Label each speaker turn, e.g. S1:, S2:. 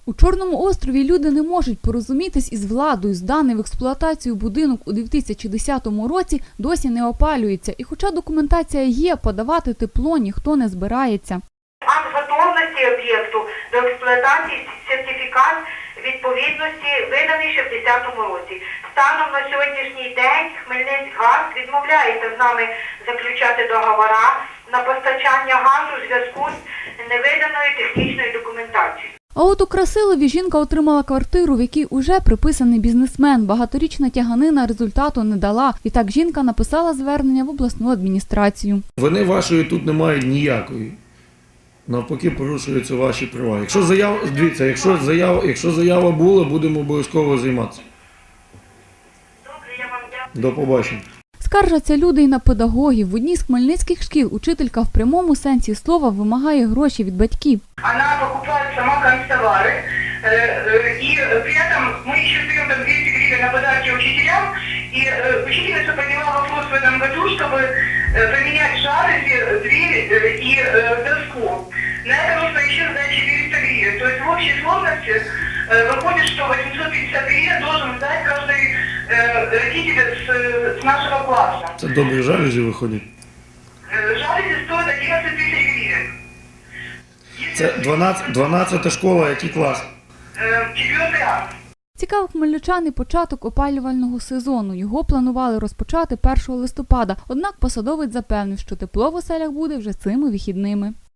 S1: У Чорному острові люди не можуть порозумітись із владою. Зданий в експлуатацію будинок у 2010 році досі не опалюється. І хоча документація є, подавати тепло ніхто не збирається.
S2: Акт готовності об'єкту до експлуатації, сертифікат відповідності виданий ще в 2010 році. Станом на сьогоднішній день Хмельницькгаз відмовляється з нами заключати договори на постачання газу у зв'язку з невиданою технічною документацією.
S1: А от у Красилові жінка отримала квартиру, в якій уже приписаний бізнесмен. Багаторічна тяганина результату не дала. Відтак жінка написала звернення в обласну адміністрацію.
S3: Вини вашої тут немає ніякої. Навпаки, порушуються ваші права. Якщо заява була, будемо обов'язково займатися.
S2: Добре, я вам дякую.
S3: До побачення.
S1: Скаржаться люди й на педагогів. В одній з хмельницьких шкіл учителька в прямому сенсі слова вимагає гроші від батьків.
S2: Она покупает сама канцтовары, и при этом мы еще даем там 200 гривен на подарки учителям, и учительница подняла вопрос в этом году, чтобы поменять жалюзи, дверь и доску. На это нужно еще сдать 400 гривен. То есть в общей сложности выходит, что 850 гривен должен сдать каждый родитель с нашего класса.
S3: Це добрі жалюзі виходять.
S2: Жалюзи стоят 11 тысяч гривен.
S3: Це 12-та школа, який клас?
S2: 4 А.
S1: Цікавив хмельничан і початок опалювального сезону. Його планували розпочати 1 листопада. Однак посадовець запевнив, що тепло в оселях буде вже цими вихідними.